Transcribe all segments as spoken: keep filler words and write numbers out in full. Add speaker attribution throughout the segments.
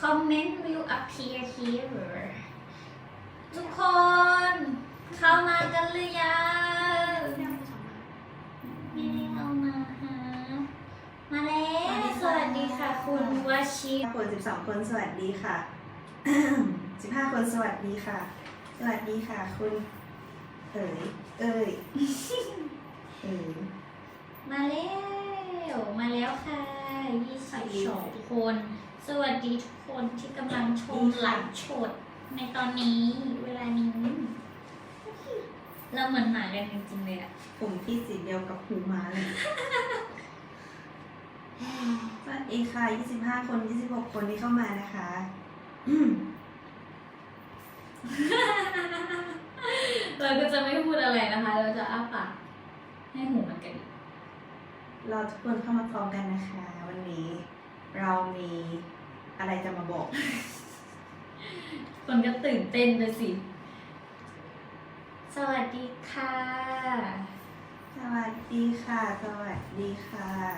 Speaker 1: comment will appear here ทุกคน เข้ามากันหรือยังไม่ได้เอามาฮะมาแล้วสวัสดีค่ะคุณวชิร
Speaker 2: คนสิบสองคนสวัสดีค่ะ สิบห้าคนสวัสดีค่ะ สวัสดีค่ะคุณเอ๋ยเอ๋ยเอ๋ย
Speaker 1: มาแล้วมาแล้วค่ะยี่สิบสองคน สวัสดีทุกคนที่กำลังชมไลฟ์สดในตอนนี้เวลานี้เราเหมือนหมากันจริงๆเลยอะ
Speaker 2: ผมที่สีเดียวกับหูม้าเลย สวัสดีค่ะยี่สิบห้าคนยี่สิบหกคนที่เข้ามานะคะอืม
Speaker 1: เราก็จะไม่พูดอะไรนะคะ เราจะอ้าปากให้หูมันกระดิก
Speaker 2: เราทุกคนเข้ามาพร้อมกันนะคะ วันนี้เรามีอะไรจะมาบอก
Speaker 1: คนก็ตื่นเต้นไปสิ สวัสดีค่ะ
Speaker 2: สวัสดีค่ะ สวัสดีค่ะ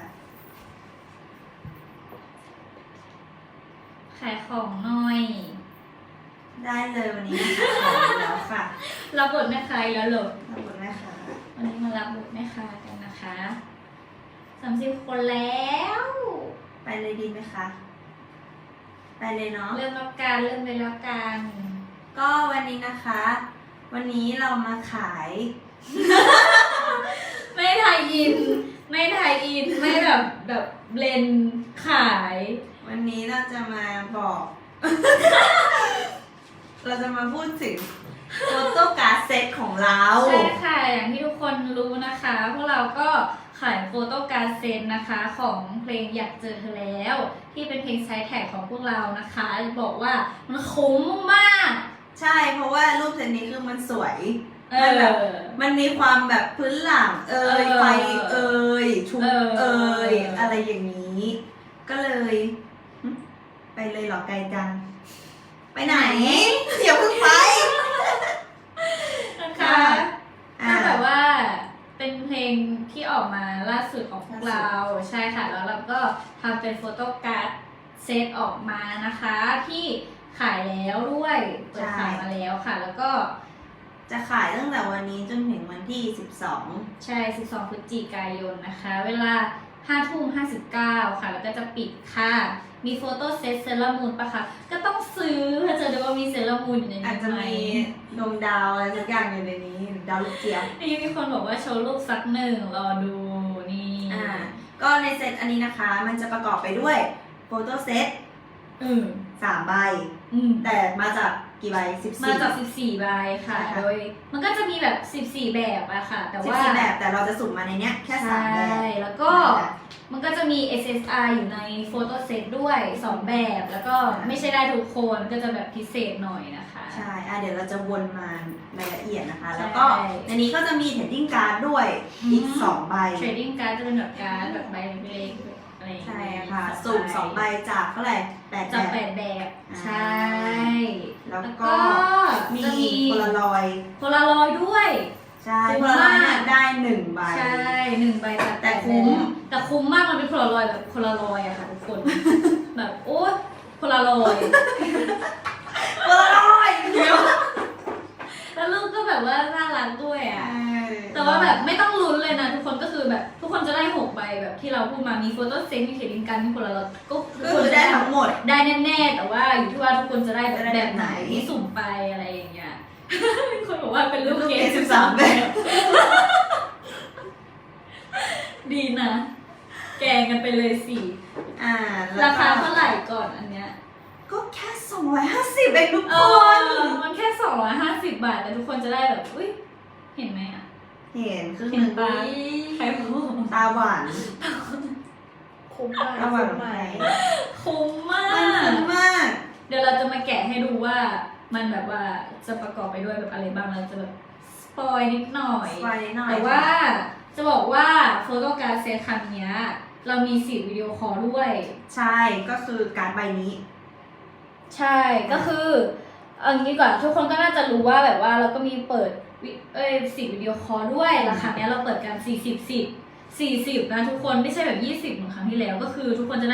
Speaker 1: ขายของหน่อย
Speaker 2: ได้เลยวันนี้นะคะขอแล้วค่ะ
Speaker 1: รับบทแม่ค้าอีกแล้วเหรอ
Speaker 2: ขอบคุณนะคะ
Speaker 1: วันนี้มารับบทแม่ค้ากันนะคะสามสิบคนแล้ว
Speaker 2: ไปเลยดีไหมคะ ไปเลยเนาะ
Speaker 1: เริ่มแล้วกันเริ่มเลยแล้วกัน
Speaker 2: ก็วันนี้นะคะ วันนี้เรามาขาย
Speaker 1: ไม่ไทยอิน ไม่ไทยอิน ไม่แบบแบบเบลนด์ขาย
Speaker 2: วันนี้เราจะมาบอก เราจะมาพูดถึงโฟโต้การ์ดเซตของเรา
Speaker 1: ใช่ค่ะ อย่างที่ทุกคนรู้นะคะ พวกเราก็ขายโฟโต้การ์ดเซตนะคะของเพลงอยากเจอเธอแล้ว ที่เป็นเพลงไซด์แท็กของพวกเรานะคะ บอกว่ามันคุ้มมาก
Speaker 2: ใช่ เพราะว่ารูปเซตนี้คือมันสวย
Speaker 1: เอ
Speaker 2: มันแบบ
Speaker 1: อ
Speaker 2: มันมีความแบบพื้นหลัง เอ่ย
Speaker 1: เออ
Speaker 2: ไฟเอ่ยชุด
Speaker 1: เออ
Speaker 2: เอ่ยอะไรอย่างนี้ ก็เลยหึไปเลยเหรอไกลจัง ไปไหน อย่าเพิ่งไป
Speaker 1: นะคะ
Speaker 2: อ่า
Speaker 1: ก็แบบว่าเป็นเพลงที่ออกมาล่าสุดของพวกเราใช่ค่ะ แล้วเราก็ทำเป็นโฟโต้การ์ดเซตออกมานะคะ ที่ขายแล้วด้วยเปิดขายมาแล้วค่ะ แล้วก็
Speaker 2: จะขายตั้งแต่วันนี้จนถึงวันที่สิบสอง
Speaker 1: ใช่ สิบสอง พฤศจิกายนนะคะ เวลา ห้าทุ่มห้าสิบเก้า ค่ะ แล้วก็จะปิดค่ะ มีโฟโต้เซตเซรามูนปะคะ ก็ต้องซื้อเพื่อจะดูว่ามีเซรามูนอยู่ใน
Speaker 2: อาจ
Speaker 1: นี้
Speaker 2: จะ
Speaker 1: ไหม
Speaker 2: มีดวงดาวอะไรสักอย่างอยู่ในนี้ ดาวลูกเจี๊ยบ
Speaker 1: นี่มีคนบอกว่าโชว์รูปสักหนึ่งรอดูนี่
Speaker 2: อ่า ก็ในเซตอันนี้นะคะ มันจะประกอบไปด้วยโฟโต้เซต
Speaker 1: อืม
Speaker 2: สามใบ
Speaker 1: อืม
Speaker 2: แต่มาจากกี่ใบสิบสี่
Speaker 1: มาจากสิบสี่ใบค่ะ
Speaker 2: ใช่ค่ะ
Speaker 1: โดยมันก็จะมีแบบสิบสี่แบบอะค่ะ แต่
Speaker 2: สิบ
Speaker 1: ว่า
Speaker 2: สี่แบบแต่เราจะสุ่มมาในเนี้ยแค่สามแบบ
Speaker 1: ใช่แล้วก็มันก็จะมี เอส เอส อาร์ อยู่ในโฟโต้เซตด้วยสองแบบ แล้วก็ไม่ใช่ได้ทุกคนก็จะแบบพิเศษหน่อยนะคะ
Speaker 2: ใช่อ่ะเดี๋ยวเราจะวนมาในละเอียดนะคะ
Speaker 1: ใช่
Speaker 2: แล้วก็ในนี้ก็จะมีเทรดดิ้งการ์ดด้วย
Speaker 1: อืม
Speaker 2: อีกสองใบ
Speaker 1: เทรดดิ้งการ์ดจะเป็นแบบการ์ดแบบใบเล็กๆอะไรอย่าง
Speaker 2: ใช่
Speaker 1: เงี้ย
Speaker 2: ค่ะ สุ่มสองใบจากเท่าไหร่แปด
Speaker 1: จาก
Speaker 2: แบ
Speaker 1: แป
Speaker 2: บ
Speaker 1: ดแบบ
Speaker 2: อ่า
Speaker 1: ใช่
Speaker 2: แล้ว
Speaker 1: แล้ว
Speaker 2: ก็
Speaker 1: ก็
Speaker 2: มี
Speaker 1: จะมี
Speaker 2: โพลารอยด์
Speaker 1: โพลารอยด์ด้วย
Speaker 2: ใช่
Speaker 1: คุ้
Speaker 2: โพ
Speaker 1: ม
Speaker 2: ลารอยด์
Speaker 1: มาก
Speaker 2: เนี่ยได้หนึ่งใบ
Speaker 1: ใช่หนึ่งใบจาก
Speaker 2: แต่คุ้ม
Speaker 1: แต่คุ้มมากมันเป็นโพลารอยด์แบบโพลารอยด์อะค่ะทุกคน แบบโอ๊ยโพลารอยด์
Speaker 2: โพลารอยด์เดี๋ยว
Speaker 1: แล้วรูปก็แบบว่าน่ารักด้วย
Speaker 2: เอ
Speaker 1: อะ
Speaker 2: อ
Speaker 1: แต่ว่าแบบไม่ต้องลุ้นเลยนะทุกคนก็คือแบบทุกคนจะได้หกใบแบบที่เราพูดมามีโฟโต้เซตมีเทรดดิ้งการ์ดมีโพลารอยด์ก็ทุ
Speaker 2: ก็
Speaker 1: กค
Speaker 2: คื
Speaker 1: น
Speaker 2: อ
Speaker 1: จะ
Speaker 2: ได้
Speaker 1: ได้
Speaker 2: ทั้งหมด
Speaker 1: ได้แน่ๆแต่ว่าอยู่ที่ว่าทุกคนจะได้แบบ
Speaker 2: จะได้
Speaker 1: แบ
Speaker 2: แบบ บ
Speaker 1: ไห
Speaker 2: ไห
Speaker 1: น
Speaker 2: น
Speaker 1: ที่สุ่มไปอะไรอย่างเงี้ย มีคนบอกว่าเป็นรูปเก
Speaker 2: เก
Speaker 1: ม
Speaker 2: มสิบสามแบบ
Speaker 1: ดีนะ แกงกันไปเลยสิ
Speaker 2: อ่า
Speaker 1: ราคาเท่าไหร่ก่อนอันเนี้ย
Speaker 2: ก็แค่สองร้อยห้าสิบเองทุก
Speaker 1: เอ
Speaker 2: ค
Speaker 1: อน มันแค่สองร้อยห้าสิบบาทแต่ทุกคนจะได้แบบอุ้ยเห็นไหมอ่ะ
Speaker 2: เห็นคือห
Speaker 1: เห็น
Speaker 2: นึ่ง
Speaker 1: ปะ
Speaker 2: ตา
Speaker 1: ใครพูด
Speaker 2: ตาหวาน
Speaker 3: คุ้มมาก
Speaker 2: ตาหวาน
Speaker 3: คุ้ม
Speaker 2: ไหม
Speaker 3: มาก
Speaker 1: คุ้มมา
Speaker 2: มัน
Speaker 1: ก
Speaker 2: คุ้มมาก
Speaker 1: เดี๋ยวเราจะมาแกะให้ดูว่ามันแบบว่าจะประกอบไปด้วยแบบอะไรบ้างเราจะแบบสปอยนิดหน่อย
Speaker 2: ไว้หน่อย
Speaker 1: แต่ว่าจะบอกว่าโฟโต้การ์ดเซตครั้งเนี้ยเรามีสิทธิ์วิดีโอคอลด้วย
Speaker 2: ใช่ ก็คือการ์ดใบนี้
Speaker 1: ใช่ก็คือเอางี้ก่อนทุกคนก็น่าจะรู้ว่าแบบว่าเราก็มีเปิดวิเอ้ยสิทธิ์วิดีโอคอลด้วยราคาเนี้ยเราเปิดกันสี่สิบสิบสี่สิบนะทุกคนไม่ใช่แบบยี่สิบเหมือนครั้งที่แล้วก็คือทุกคนจะได้แบบ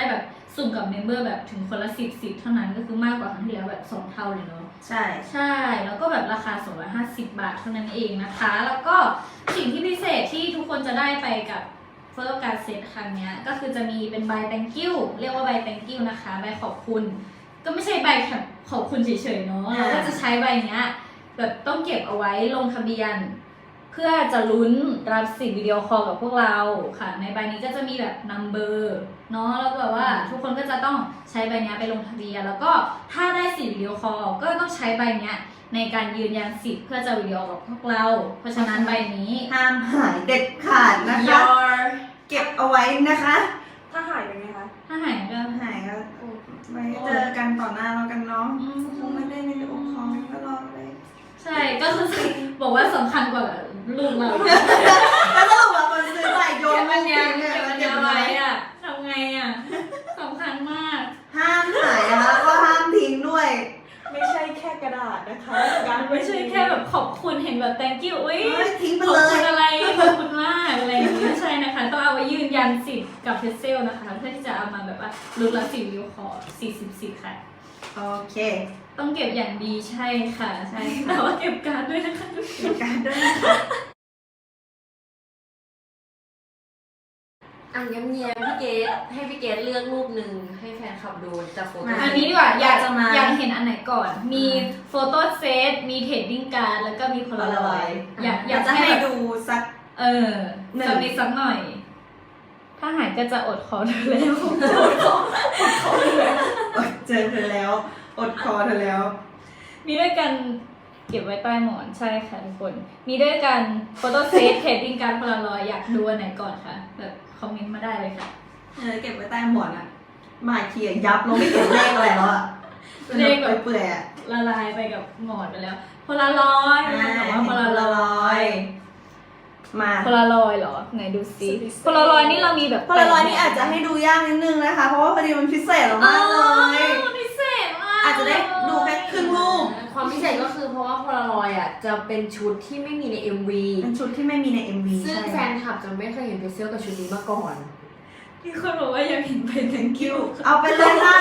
Speaker 1: สุ่มกับเมมเบอร์แบบถึงคนละสิบสิบเท่านั้นก็คือมากกว่าครั้งที่แล้วแบบสองเท่าเลยเนาะ
Speaker 2: ใช่
Speaker 1: ใช่ แล้วก็แบบราคาสองร้อยห้าสิบบาทเท่านั้นเองนะคะ แล้วก็สิ่งที่พิเศษที่ทุกคนจะได้ไปกับโฟโต้การ์ดเซตครั้งเนี้ยก็คือจะมีเป็นใบ thank you เรียกว่าใบ thank you นะคะใบขอบคุณ ก็ไม่ใช่ใบขอบคุณเฉยๆเนาะเราก็จะใช้ใบเนี้ยแบบต้องเก็บเอาไว้ลงทะเบียน เพื่อจะลุ้นรับสิทธิ์วิดีโอคอลกับพวกเราค่ะในใบนี้ก็จะมีแบบนัมเบอร์เนาะแล้วแบบว่าทุกคนก็จะต้องใช้ใบนี้ไปลงทะเบียนแล้วก็ถ้าได้สิทธิ์วิดีโอคอลก็ต้องใช้ใบนี้ในการยืนยันสิทธิ์เพื่อจะวิดีโอกับพวกเรา เพราะฉะนั้นใบนี้
Speaker 2: ห้ามหายเด็ดขาดนะคะ เก็บเอาไว้นะคะ
Speaker 3: ถ้าหายเป็นไงคะ
Speaker 1: ถ้าหายก็
Speaker 2: หายก็ไว้เจอกันต่อหน้าแล้วกันเนาะคงไม่ได้ในองค์คองก็รอเลย
Speaker 1: ใช่ก็คือบอกว่าสำคัญกว่าลูกเรา
Speaker 2: แล้วสรุปว่าคนซื้อใบโย
Speaker 1: เก็
Speaker 2: น
Speaker 1: บอันเนี้ย
Speaker 2: เนี่
Speaker 1: เก็บอันเนี้ย
Speaker 2: เก็บ
Speaker 1: ไว้
Speaker 2: ไว้
Speaker 1: อะทำไงอะสำคัญมาก
Speaker 2: ห้ามหายนะคะแล้วก็ห้ามทิ้งด้วย
Speaker 3: ไม่ใช่แค่กระดาษนะคะการ
Speaker 1: ไม่ใช่แค่แบบขอบคุณเห็นแบบ thank you อุ้ย
Speaker 2: เฮ้ยทิ้งไป
Speaker 1: ขอบ
Speaker 2: เล
Speaker 1: คุ
Speaker 2: ย
Speaker 1: ณอะไรขอบคุณมากอะไรอย่างนี้ไม่ใช่นะคะต้องเอาไว้ยืนยันสิทธิ์กับเพจเซลนะคะเพื่อที่จะเอามาแบบว่าลุ้นรับสิทธิ์วิวขอสี่สิบสิทธิ์ค่ะ
Speaker 2: โอเค
Speaker 1: ต้องเก็บอย่างดีใช่ค่ะ
Speaker 2: ใช่ค่ะ
Speaker 1: แต่ว่าเก็บการ์ดด้วยนะคะทุกค
Speaker 2: เก็บ
Speaker 1: น
Speaker 2: การด้วยนะคะ
Speaker 4: อ่ะเงียบๆพี่เกดให้พี่เกดเลือกรูปหนึ่งให้แฟนคลับดูจากโฟโต้
Speaker 1: อันนี้ดีกว่าอยาก
Speaker 2: จะมา
Speaker 1: อยากเห็นอันไหนก่อน มีโฟโต้เซตมีเทรดดิ้งการ์ดแล้วก็มีโพลารอยด์อยากอยาก
Speaker 2: จะให้
Speaker 1: แบบ
Speaker 2: ดูสัก
Speaker 1: เออ
Speaker 2: หนึ่ง
Speaker 1: สักนิดสักหน่อย ถ้าหายก็จะอดคอเธอแล้ว
Speaker 2: อดเจอเธอแล้ว อดคอเธอแล้ว
Speaker 1: มีด้วยกันเก็บไว้ใต้หมอนใช่ค่ะทุกคน มีด้วยกันโฟโต้เซตเทรดดิ้งการ์ดโพลารอยด์อยากดูอันไหนก่อนคะแบบคอมเมนต์มาได้เลยค่ะ
Speaker 2: เออเก็บไว้ใต้หมอนอะมาเขียนยับลงไม่เขียนเลขอะไรแล้วอะ
Speaker 1: เลขแบบ
Speaker 2: เปื่อยๆอะ
Speaker 1: ละลายไปกับหมอนไปแล้วโพลารอยด์บอกว่าโพลารอยด์
Speaker 2: มา
Speaker 1: โพลารอยด์เหรอไหนดูซิโพลารอยด์นี่เรามีแบบ
Speaker 2: โพลารอยด์นี่อาจจะให้ดูยากนิดนึงนะคะ เพราะว่าพอดีมันพิเศษมากเลย
Speaker 1: อ๋อพิเศษมาก
Speaker 2: อาจจะได้ดูแค่ครึ่งรูป
Speaker 4: ความพิเศษก็คือเพราะว่าโพลารอยด์อ่ะจะเป็นชุดที่ไม่มีใน เอ็ม วี
Speaker 2: เป็นชุดที่ไม่มีใน เอ็ม วี
Speaker 4: ซึ่ง
Speaker 2: ใช่
Speaker 4: แฟนคลับจะไม่เคยเห็นเพเซลกับชุดนี้มาก่อน
Speaker 1: มีคนบอกว่าอยากเห็นเป็น thank you
Speaker 2: เอาไปเลยค่ะ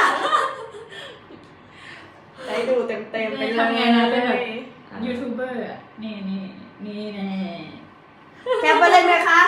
Speaker 3: ได้ดูเต็มๆไปเลย
Speaker 1: ทำไงนะเป็นแบบยูทูบเบอร์อะนี่นี่นี่แน่
Speaker 2: แคปไปเลยไหมคะ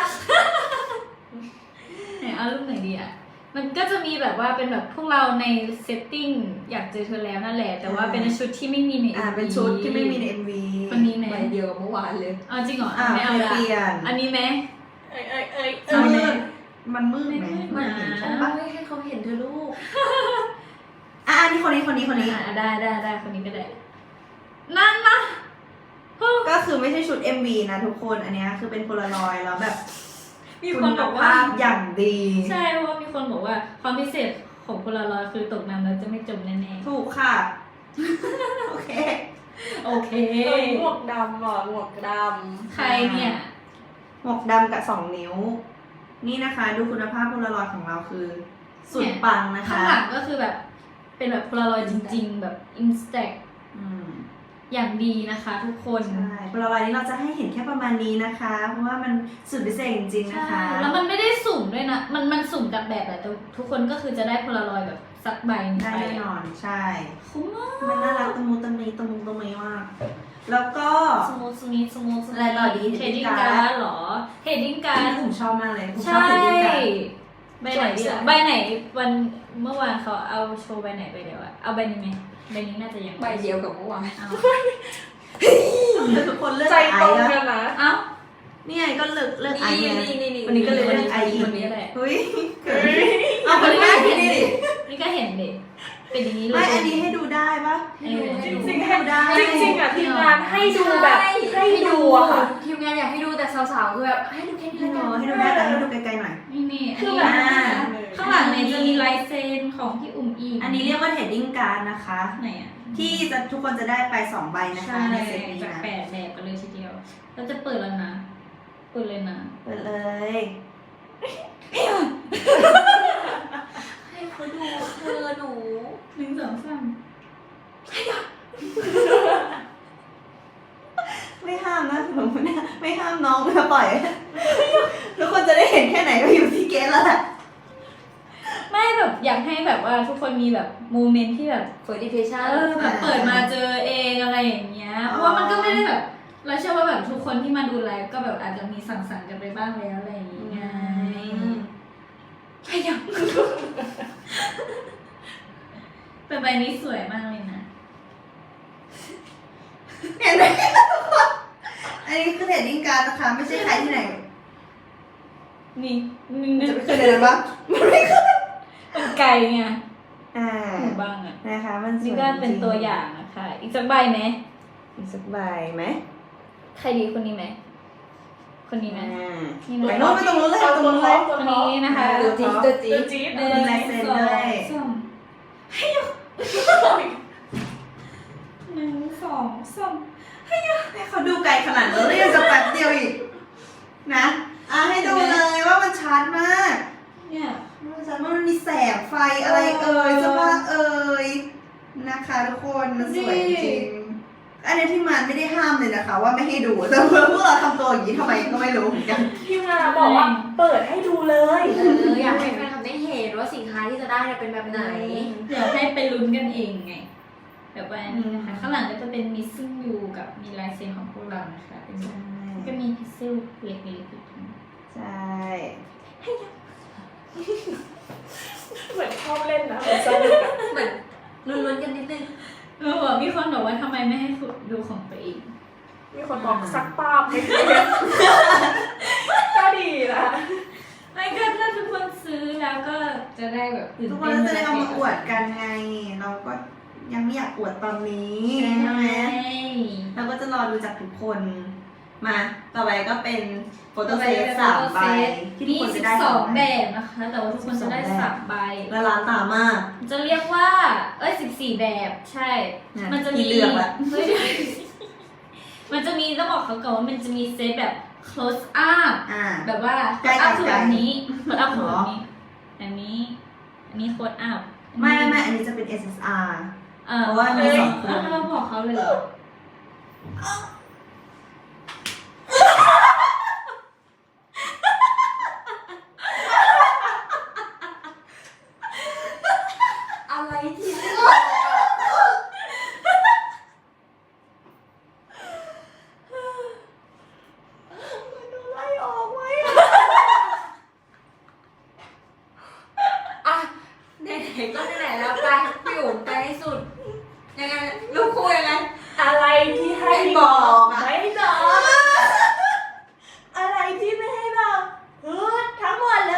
Speaker 1: ไหนเอารูปไหนดีอ่ะ มันก็จะมีแบบว่าเป็นแบบพวกเราในเซตติ้งอยากเจอเธอแล้วนั่นแหละ แต่ว่าเป็นชุดที่ไม่มีใน
Speaker 2: อ่า เป็นชุดที่ไม่มีใน เอ็ม วี
Speaker 1: คนนี้ไหม
Speaker 4: ใบเดียวกับเมื่อวานเลย
Speaker 1: เอาจริงเหรอ
Speaker 2: อ่า
Speaker 1: ไม่เอาละ
Speaker 2: เปลี่ยน
Speaker 1: อันนี้ไหม
Speaker 3: เอ้ยเอ้ยเอ้ย
Speaker 2: มั
Speaker 1: เอา
Speaker 2: น
Speaker 1: ไหม
Speaker 2: มืดมันมืดไหม
Speaker 1: ไม่มืด
Speaker 2: มัน
Speaker 1: นะ
Speaker 2: เห็นใช่
Speaker 4: โอ้
Speaker 2: ปะ
Speaker 4: ยให้เขาเห็นเธอลูก
Speaker 2: อ่ะอันนี้คนนี้คนนี้คนนี้
Speaker 1: อ่าได้ได้ได้คนนี้ก็ได้ นั่นนะฮู้
Speaker 2: ก็คือไม่ใช่ชุด เอ็ม วี นะทุกคน อันเนี้ยคือเป็นโพลารอยด์แล้วแบบ
Speaker 1: มีคนบอกว่า
Speaker 2: ณภพอย่างดี
Speaker 1: ใช่เพราะว่ามีคนบอกว่าความพิเศษของโพลารอยด์คือตกน้ำแล้วจะไม่จมแน่
Speaker 2: ถูกค่ะ โอเค
Speaker 1: ๆ โอเค
Speaker 3: เอ้ยหมวกดำอ่ะหมวกด
Speaker 1: ใครเนี่ย
Speaker 2: หมวกดำกับสองนิ้ว นี่นะคะ ดูคุณภาพโพลารอยด์ของเราคือ สุดปังนะคะ
Speaker 1: ข้างหลังก็คือแบบ เป็นแบบโพลารอยด์จริง ๆ แบบอินสแต็ก
Speaker 2: อืม
Speaker 1: อย่างดีนะคะทุกคน
Speaker 2: ใช่โพลารอยด์นี้เราจะให้เห็นแค่ประมาณนี้นะคะ เพราะว่ามันสุดพิเศษจริงๆนะคะ
Speaker 1: แล้วมันไม่ได้สุ่มด้วยนะ มันมันสุ่มกับแบบแหละแต่ทุกคนก็คือจะได้โพลารอยด์แบบสักใบหนึ่ง
Speaker 2: ได้
Speaker 1: ไป
Speaker 2: แน่นอน ใช่
Speaker 1: คุ้มมาก
Speaker 2: มันน่ารักตะมูตะมีตะมูตะมีมาก แล้วก็
Speaker 1: สมูทสมีทสมูท
Speaker 2: อะไรต่อดี
Speaker 1: เทดดิ้ง
Speaker 2: Heading
Speaker 1: การ์
Speaker 2: card
Speaker 1: ดหรอเทดดิ้งการ์ด
Speaker 2: ผมชอบมากเลยผมชอ
Speaker 1: ใช่
Speaker 2: บเทดดิ้งการ์ด
Speaker 1: ใบไหนดีล่ะใบไหนวันเมื่อวานเขาเอาโชว์ใบไหนไปเดี๋ยวอะเอาใบนี้ไหมใบนี้น่าจะยัง
Speaker 4: ใบเดียวกับเมื่อวาน
Speaker 1: เอา
Speaker 2: ทุกคนเลือก
Speaker 3: ำใจ
Speaker 2: ไอ
Speaker 3: ตรง
Speaker 2: แล้ว
Speaker 3: กันนะ
Speaker 1: เอา
Speaker 2: นี่ไงก็เลือกเลือกไอ
Speaker 4: นี่
Speaker 2: ไง
Speaker 4: นี่นี่นี่
Speaker 2: วันนี้ก็เลยเลือกไอ
Speaker 1: ค
Speaker 2: อี
Speaker 1: น
Speaker 2: ก
Speaker 1: นี้แหละ
Speaker 2: เฮ้ยเกิด
Speaker 1: เอา
Speaker 2: เอา
Speaker 1: ค
Speaker 2: คน น
Speaker 1: นี้
Speaker 2: นี้
Speaker 1: ก็
Speaker 2: เห็
Speaker 1: เห็
Speaker 2: น
Speaker 1: น
Speaker 2: ดิ
Speaker 1: ดินี่ก็เห็นดิเป็นอย่างนี้เลย
Speaker 2: ไม่อันนี้ให้ดูได้ปะ
Speaker 1: เออ
Speaker 3: จ
Speaker 1: ให้
Speaker 3: ริง
Speaker 1: ดู
Speaker 3: จริง
Speaker 2: ให้ดูได้
Speaker 3: จริงจริงๆอ่ะทีมงานให้ดูแบบให้ดูอะค่ะ
Speaker 4: ทีมงานอยากให้ดูแต่สาวๆคือแบบให้ดูแค่นี้
Speaker 2: ให้
Speaker 4: แล้ว
Speaker 2: ดู
Speaker 4: กัน
Speaker 2: ให้ดูได้แต่ให้ดูไกลๆหน่อย
Speaker 1: นี่นี่อัน
Speaker 3: คือ
Speaker 1: นี้
Speaker 3: แบบ
Speaker 2: อ่า
Speaker 1: ข้างหลังเนี่ยจะมีลายเซ็นของพี่อุ่มอี
Speaker 2: อันนี้เรียกว่าเทรดดิ้งการ์ดนะคะ
Speaker 1: ไหนอ่ะ
Speaker 2: ที่จะทุกคนจะได้ไปสองใบนะคะ
Speaker 1: ใช่
Speaker 2: ในเซตนี้
Speaker 1: จาก
Speaker 2: นะ
Speaker 1: แปดแบบกันเลยทีเดียวเราจะเปิดแล้วนะเปิดเลยนะ
Speaker 2: เปิดเลย
Speaker 4: ให้เขาดูเธอหนู
Speaker 1: หนึ่งสองสาม
Speaker 2: ไม่ห้ามนะหนูไม่ไม่ห้ามน้องนะปล่อย ทุกคนจะได้เห็นแค่ไหนก็อยู่ที่เกสแล้วแหละ
Speaker 1: ไม่แบบอยากให้ให้แบบว่าทุกคนมีแบบโมเมนต์ที่แบบ
Speaker 4: เฟิร์สดิเพชั่น
Speaker 1: เออแบบเปิดมาเจอเองอะไรอย่างเงี้ยเพราะว่ามันก็ไม่ได้แบบเราเชื่อว่าแบบทุกคนที่มาดูไลฟ์ก็แบบอาจจะมีสั่งสรรค์กันไปบ้างแล้วอะไรอย่างเงี้ยขยับแต่ใบนี้สวยมากเลยนะ
Speaker 2: เห็นไหมอันนี้คือเทรดดิ้งการ์ดนะคะไม่ใช่ใครที่ไหน
Speaker 1: นี่นี่
Speaker 2: จะไม่เคยเดินปะมันไม่เคย
Speaker 1: เป็นไกลไง
Speaker 2: อ่า
Speaker 1: หมู่บ้างอ่ะ
Speaker 2: นะคะมันสวย
Speaker 1: นี่ก็เป็นตัวอย่างนะคะ อีกสักใบไหม
Speaker 2: อีกสักใบไหม
Speaker 1: ใครดีคนนี้ไหมคนนี้ไหม
Speaker 2: อ่า
Speaker 1: นี่
Speaker 2: ไป
Speaker 1: นะ
Speaker 2: โน้นไปตรงนู้นเลยค่ะตรงนู้นเลย
Speaker 1: คนนี้นะคะ
Speaker 4: ตัวจี๊ดตัวจี๊ด
Speaker 3: จี๊ด
Speaker 1: หนึ่ง
Speaker 2: มีลายเซ็น
Speaker 1: สอง
Speaker 2: ด้วย
Speaker 1: สามให้ยกหนึ่งสองสาม
Speaker 2: ให้เขาดูไกลขนาดนั้นแล้วยังจะแป๊บเดียวอีกนะอ่ะให้ดูเลยว่ามันชัดมาก
Speaker 1: เนี่ย
Speaker 2: มันชัดมากมันมีแสงไฟอะไรเอ่ยเสื้อผ้าเอ่ยนะคะทุกคนมันสวยจริงอันนี้ที่มันไม่ได้ห้ามเลยนะคะ ว่าไม่ให้ดูแต่เพื่อพวกเราทำตัวอย่างนี้ทำไมก็ไม่รู้เหมือนกัน
Speaker 3: พี่มาบอกว่าเปิดให้ดูเลย
Speaker 4: เอออยากให้แฟนคลับได้เห็นว่าสินค้าที่จะได้เนี่ยเป็นแบบไหน
Speaker 1: เดี๋ยวให้ไปลุ้นกันเองไงแบบว่านี้นะคะข้างหลังก็จะเป็น missing you กับมีลายเซ็นของพวกเรานะคะเป็นแบบก็มีพิซซิลเล็กๆอยู่ตรงนี้
Speaker 2: ใช่
Speaker 3: เหมือนชอบเล่นนะเหมือนสนุกอะ
Speaker 4: เหมือนลุ้นๆกันนิดนึง
Speaker 1: เออมีคนบอกว่าทำไมไม่ให้ดูของตัวเอง
Speaker 3: มีคนบอกซักป้าบให้ดูก็ดีนะ
Speaker 1: ไม่ก็ถ้าทุกคนซื้อแล้วก็จะได้แบบตื่น
Speaker 2: ทุกค
Speaker 1: เต้
Speaker 2: น
Speaker 1: น
Speaker 2: ก็จะได้เอามาอวดกันไง เราก็ยังไม่อยากอวดตอนนี้
Speaker 1: ใช่
Speaker 2: ใช่
Speaker 1: ไห
Speaker 2: ไห
Speaker 1: ม
Speaker 2: มเราก็จะรอดูจากทุกคนมาต่อไปก็เป็นโฟโต้เซตสามใบที่ทุก
Speaker 1: มี
Speaker 2: คน
Speaker 1: สิ
Speaker 2: จะ
Speaker 1: บ
Speaker 2: ได้
Speaker 1: สองแบบนะคะ แต่ว่าทุกคนจะได้สามใบ
Speaker 2: ละลานตามาก
Speaker 1: จะเรียกว่า เอ้ยสิบสี่แบบใช่
Speaker 2: นะ
Speaker 1: มันจะ
Speaker 2: มี
Speaker 1: มี
Speaker 2: เลือกละ
Speaker 1: ไม่ใช่มันจะมีต้องบอกเขาก่อนว่ามันจะมีเซตแบบ close up
Speaker 2: อ่า
Speaker 1: แบบว่า
Speaker 2: ใกล้
Speaker 1: close up คือ
Speaker 2: ใกล้
Speaker 1: แบบนี้ close up คือ
Speaker 2: หร
Speaker 1: แบ
Speaker 2: อ
Speaker 1: บนี้อันนี้ อันนี้ close up
Speaker 2: ไม่ไม่ไม่อันนี้จะเป็น เอส เอส อาร์
Speaker 1: เออ
Speaker 2: เพราะว่ามีสองคน
Speaker 1: เเราบอกเขาเลยเหรอ
Speaker 4: อะไรที่
Speaker 3: ไล่ออกไว้
Speaker 4: อ่ะไหนๆก็ไหนๆแล้วไปพี่อุ๋มไปให้สุดยังไงลูกคู่ยังไง
Speaker 3: อะไรที่ให้
Speaker 2: ไม่บอกอะ
Speaker 3: ไม่บอกอะไรที่ไม่ให้บอกพูดทั้งหมดเลย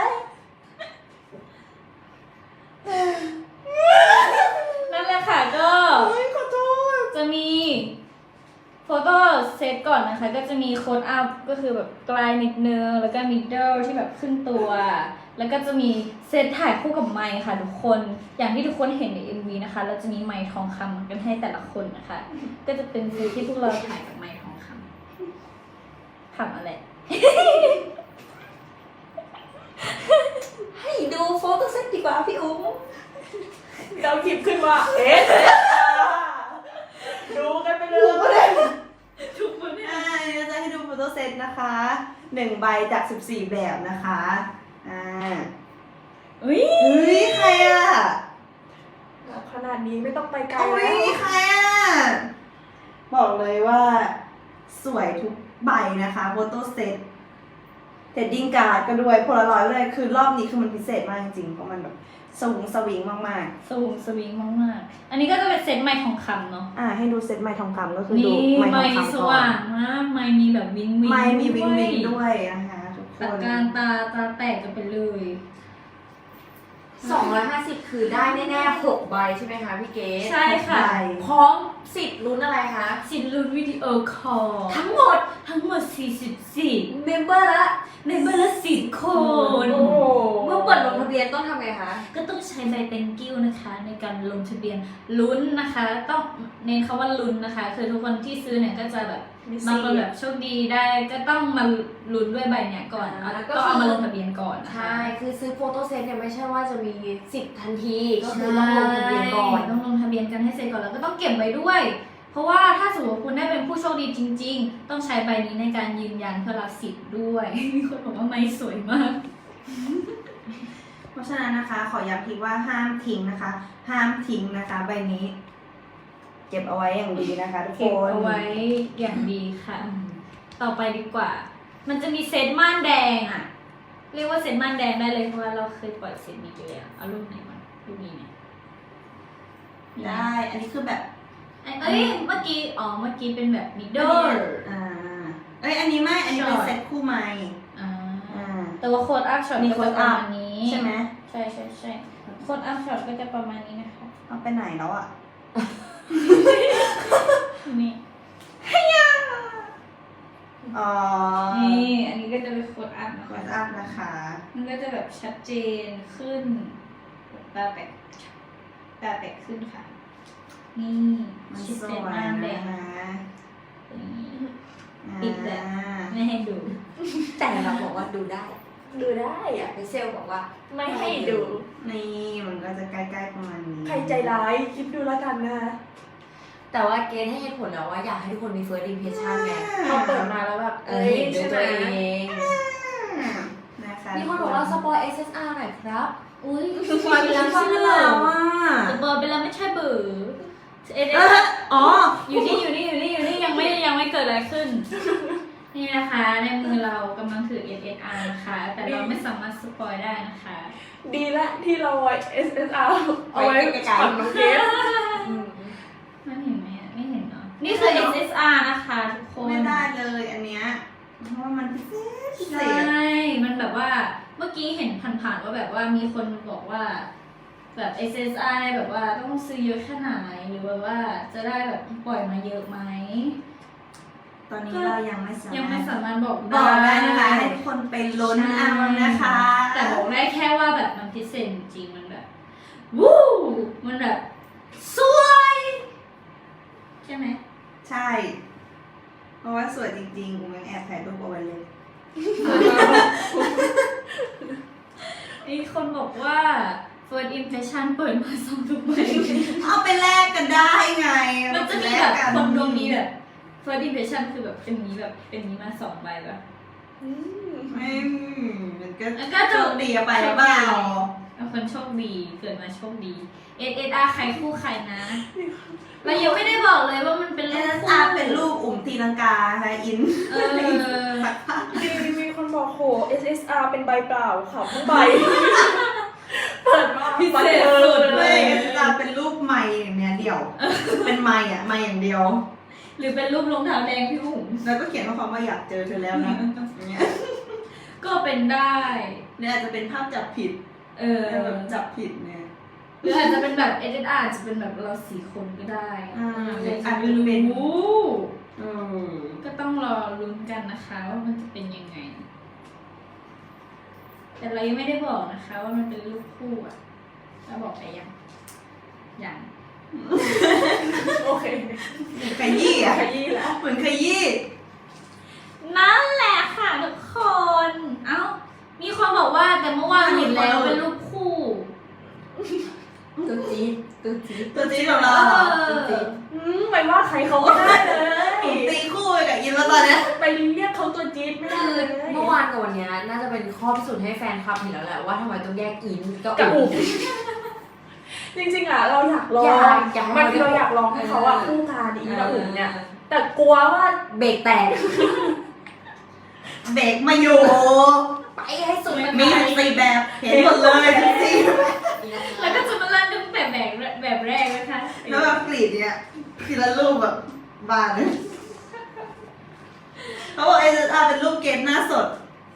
Speaker 1: นั่นแหละค่ะก็
Speaker 3: เฮ้ยขอโทษ
Speaker 1: จะมีโฟโต้เซตก่อนนะคะ ก็จะมีโค้ดอัพก็คือแบบปลายนิดนึงแล้วก็มิดเดิลที่แบบขึ้นตัว แล้วก็จะมีเซตถ่ายคู่กับไมค์ค่ะทุกคนอย่างที่ทุกคนเห็นใน เอ็ม วี นะคะแล้วจะมีไมค์ทองคำกันให้แต่ละคนนะคะ ก็จะเป็นฟิลที่พวกเราถ่ายกับไมค์ทองคำทำอะไร
Speaker 4: ให้ดูโฟโต้เซตดีกว่าพี่อุ๋ม
Speaker 3: เราหยิบขึ้นมาเอ๊ะดูกันไปเลย
Speaker 1: ทุกคนเนี่ย
Speaker 2: อ่าเดี๋ยวจะให้ดูโฟโต้เซตนะคะหนึ่งใบจากสิบสี่แบบนะคะอ่า
Speaker 1: อุ้ย
Speaker 2: เฮ้ยใครอ่ะ
Speaker 3: ขนาดนี้ไม่ต้องไปไกล
Speaker 2: อุ้
Speaker 3: แล้
Speaker 2: ยว ใครอ่ะบอกเลยว่าสวยทุกใบนะคะโฟโต้เซตเทดดิ้งการ์ดก็ด้วยโพลารอยด์ด้วยคือรอบนี้คือมันพิเศษมากจริงๆเพราะมันแบบสวิงสวิงมาก
Speaker 1: สวิงสวิงมากๆอันนี้ก็จะเป็นเซตไมค์ทองคำเนาะ
Speaker 2: ๆอ่าให้ดูเซตไม้ทองคำก็คือดู
Speaker 1: นี่
Speaker 2: ไม้ท
Speaker 1: ไม
Speaker 2: อง
Speaker 1: ค์
Speaker 2: คำ
Speaker 1: ส
Speaker 2: ก่อ
Speaker 1: ว่าน งมากไมค์มีแบบวิงวิง
Speaker 2: ไม้มีวิงวิงด้วยนะคะทุกค
Speaker 1: ตาน การตาตาแตกกันไปเลย
Speaker 4: สองร้อยห้าสิบคือได้แน่ๆหกใบใช่ไหมคะพี่เกด
Speaker 1: ใช่ค่ะ
Speaker 2: ใบ
Speaker 4: พร้อมสิทธิ์ลุ้นอะไรคะ
Speaker 1: สินลุ้นวิดีโอคอล
Speaker 4: ทั้งหมด
Speaker 1: ทั้งหมดสี่สิบสี่
Speaker 4: เมมเบอร์ละ
Speaker 1: เมมเบอร์ละสิบคน
Speaker 3: โอ้โห
Speaker 4: เมื่อเปิดลงทะเบียนต้องทำไงคะ
Speaker 1: ก็ต้องใช้ใบเป็นกิ้วนะคะ ในการลงทะเบียนลุ้นนะคะ ต้องเน้นคำว่าลุ้นนะคะ คือทุกคนที่ซื้อเนี่ยก็จะแบบบางคนแบบโชคดีได้ก็ต้องมาลุ้นด้วยใบเนี่ยก่อน
Speaker 4: อ่า
Speaker 1: แล้ว
Speaker 4: ก็
Speaker 1: ก็
Speaker 4: คือ
Speaker 1: เอามาลงทะเบียนก่อนนะคะ
Speaker 4: ใช่ คือซื้อโฟโต้เซตเนี่ยไม่ใช่ว่าจะมีสิทธิ์ทันที ก็คือต้องลงทะเบียนก่อน
Speaker 1: ต้องลงทะเบียนกันให้เสร็จก่อนแล้วก็ต้องเก็บไว้ด้วย เพราะว่าถ้าสมมติคุณได้เป็นผู้โชคดีจริง ๆ ต้องใช้ใบนี้ในการยืนยันเพื่อรับสิทธิ์ด้วย มีคนบอกว่าไม้สวยมาก
Speaker 2: เพราะฉะนั้นนะคะ ขอย้ำทีว่าห้ามทิ้งนะคะ ห้ามทิ้งนะคะ ใบนี้ เก็บเอาไว้อย่างดีนะคะทุกค
Speaker 1: เก็บ
Speaker 2: น
Speaker 1: เอาไว้อย่างดีค่ะ ต่อไปดีกว่า มันจะมีเซตม่านแดงอ่ะ เรียกว่าเซตม่านแดงได้เลยเพราะว่าเราเคยปล่อยเซตนี้ไปแล้วเอารูปไหนมารูปนี้ไหม
Speaker 2: ได้ อันนี้คือแบบ
Speaker 1: เอ้ย เมื่อกี้ อ๋อ เมื่อกี้เป็นแบบมิดเดิล
Speaker 2: อ่า เอ้ย อันนี้ไม่ อันนี้เป็น
Speaker 1: ช็อต
Speaker 2: เซ็ตคู่ไม้
Speaker 1: อ่า
Speaker 2: อ่า
Speaker 1: แต่ว่าโค้ดอัพช็อต
Speaker 2: มี
Speaker 1: ก็
Speaker 2: โค้
Speaker 1: จะ
Speaker 2: ด
Speaker 1: ประ
Speaker 2: อัพ
Speaker 1: มาณนี้
Speaker 2: ใช่ไหม
Speaker 1: ใช่ใช่ใช่โค้ดอัพช็อตก็จะประมาณนี้นะคะ
Speaker 2: เอาไปไหนแล้วอ่ะ
Speaker 1: นี่
Speaker 2: อ๋อ
Speaker 1: นี่ อันนี้ก็จะเป็นโค้ดอัพนะ
Speaker 2: โค้
Speaker 1: คะ
Speaker 2: ดอัพนะคะ
Speaker 1: มันก็จะแบบชัดเจนขึ้นตาแตกตาแตกขึ้นค่ะ นี่
Speaker 2: มัน
Speaker 1: ชิด
Speaker 2: ส
Speaker 1: เป็น
Speaker 2: วย
Speaker 1: ม่านแด
Speaker 2: นะ
Speaker 1: ง
Speaker 2: คะ
Speaker 1: นี่
Speaker 2: อ่า
Speaker 1: ปิดแล้ว ไม่ให้ดู
Speaker 4: แต่เราบอกว่าดูได้
Speaker 3: ดูได้
Speaker 4: อยา
Speaker 3: อะ
Speaker 4: กไปเซลบอกว่า
Speaker 3: ไม่ให้ดู
Speaker 2: นี่มันก็จะใกล้ๆประมาณนี้
Speaker 3: ใครใจร้ายคิดดูแล้วกันนะ
Speaker 4: แต่ว่าเกณฑ์ให้เหตุผลแล้วว่าอยากให้ทุกคนมี first impression ไง
Speaker 3: พอเปิดมาแล้วแบบ
Speaker 4: เออเห็นด้วยตัวเอง
Speaker 2: อ่านะคะ
Speaker 4: มีคนบอกว่าสปอย เอส เอส อาร์ หน่อยครับ
Speaker 1: อุ้ย
Speaker 2: สวยไปแล้วใช่แล้วอ่ะ
Speaker 1: จะเบอร์ไปแล้วไม่ใช่เบอร์เอเด
Speaker 2: เอออ๋อ
Speaker 1: อยู่นี่อยู่นี่อยู่นี่อยู่นี่ยังไม่ยังไม่เกิดอะไรขึ้น นี่นะคะ ในมือเรากำลังถือ เอส เอส อาร์ นะคะ แต่เราไม่สามารถสปอยได้นะคะ
Speaker 3: ดีละที่เราไว้ เอส เอส อาร์ เอาไว้
Speaker 4: ไว้ไกลๆ
Speaker 3: ผ่อนน้องเกส
Speaker 1: มันเห็นไหมอะไม่เห็นเนาะนี่คือ เอส เอส อาร์ นะคะทุกคน
Speaker 2: ไม่ได้เลยอันเนี้ยเพราะว่ามันพิเศษพิเศ
Speaker 1: ใช่
Speaker 2: ษ
Speaker 1: มันแบบว่าเมื่อกี้เห็นผ่านๆว่าแบบว่ามีคนบอกว่า แบบ เอส เอส อาร์ แบบว่าต้องซื้อเยอะแค่ไหนหรือแบบว่าจะได้แบบปล่อยมาเยอะไหม
Speaker 2: ตอนนี้เรายังไม่สามารถ
Speaker 1: ยังไม่สามารถบอก
Speaker 2: บอกได้นะคะให้ทุกคนไปลุ้นเอานะคะ
Speaker 1: แต่บอกได้แค่ว่าแบบมันพิเศษจริงๆมันแบบ วู้มันแบบ สวย ใช่ไหม
Speaker 2: ใช่ เพราะว่าสวยจริงๆกูยังแอบถ่ายรูปเอาไว้เลย
Speaker 1: มีคนบอกว่า first impression เปิดมาสองทุกใบ
Speaker 2: เอาไปแลกกันได้ไง
Speaker 1: มันจะมีแบบคนดวงนี้แบบ first impression คือแบบเป็นนี้แบบเป็นนี้มาสองใบแบบ
Speaker 3: อืม
Speaker 2: ไม่มันก็
Speaker 1: แล้วก็
Speaker 2: โชคดีอะไปหรือเปล่า
Speaker 1: เป็นคนโชคดีเกิดมาโชคดี เอส เอส อาร์ ใครคู่ใครนะ เรายังไม่ได้บอกเลยว่ามันเป็น
Speaker 2: เอ
Speaker 1: รูป
Speaker 2: ส
Speaker 1: คู่
Speaker 2: อาร์เป็นรูปอุ่มตีลังกาค่ะอิน
Speaker 1: เออ
Speaker 3: มีมีคนบอกโห เอส เอส อาร์ เป็นใบเปล่าค่ะทั้งใบ เปิดมา
Speaker 1: พิเศษ
Speaker 3: บัน
Speaker 1: สุ
Speaker 3: เทิ
Speaker 1: ด
Speaker 3: ง
Speaker 2: เล
Speaker 3: เลย ย
Speaker 2: เอสอาร์เป็นรูปไม้อย่างเนี้ยเดี่ยว เป็นไม้อะไม้อย่างเดียว
Speaker 1: หรือเป็นรูปรองเท้าแดงพี่หุง
Speaker 2: แล้วก็เขียนข้อความว่าอยากเจอเธอแล้วนะอย่างเงี้ย
Speaker 1: ก็เป็นได้
Speaker 2: เนี่ยอาจจะเป็นภาพจับผิด
Speaker 1: เออ
Speaker 2: แบบจับผิดเนี่ย
Speaker 1: หรืออาจจะเป็นแบบเอส เอส อาร์ จะเป็นแบบเราสี่คนก็ได้
Speaker 2: อ่า
Speaker 1: ใคร
Speaker 2: อา
Speaker 1: จะ
Speaker 2: จ
Speaker 1: ไป
Speaker 2: จะเป็น
Speaker 1: รู้
Speaker 2: เออ
Speaker 1: ก็ต้องรอลุ้นกันนะคะว่ามันจะเป็นยังไง แต่เรายังไม่ได้บอกนะคะ ว่ามันเป็นรูปคู่อ่ะเราบอกไปยังยัง
Speaker 3: โอเค
Speaker 2: ขยี้อะ
Speaker 3: ขยี้แล้ว
Speaker 2: เหมือนขยี้
Speaker 1: นั่นแหละค่ะทุกคน เอ้า มีคนบอกว่าแต่เมื่อวานเห็นแล้วเป็นรูปคู่
Speaker 4: ตัวจี๊ดตัวจี๊ด
Speaker 2: ตัวจริงของเรา
Speaker 4: ตัวจี๊ด
Speaker 3: อืมไปว่าใครเขาไม่ได้เลย
Speaker 2: ผมตีคู่ไปกับอินแล้วตอนเนี้ย
Speaker 3: ไปเรียกเขาตัวจี๊ดไม่ได้
Speaker 4: คือ
Speaker 3: เลย
Speaker 4: เมื่อวานกับวันเนี้ยน่าจะเป็นข้อพิสูจน์ให้แฟนคลับเห็นแล้วแหละว่าทำไมต้องแยกอินกับ
Speaker 3: กับ
Speaker 4: อุ๋
Speaker 3: อุ๋
Speaker 4: ม
Speaker 3: มจริงๆอ่ะเราอยากลอง
Speaker 4: อยากอยากให้
Speaker 3: มันเราอยากลองให้เขาอ่ะคู่กันอีกับอุ๋มเนี่ย แต่กลัวว่า
Speaker 4: เบรกแตก
Speaker 2: เบรกมาอยู่
Speaker 4: ไปให้สุด
Speaker 2: มีสี่แบบเห็นหมดเลยสี่
Speaker 1: แล้วก็จะมาเล่นตั้งแต่แบบแบบแรกนะคะ
Speaker 2: แล้วแบบกรีดเนี่ยทีละรูปแบบบานเลยเขาบอกไอเอสอาร์เป็นรูปเกมหน้าสด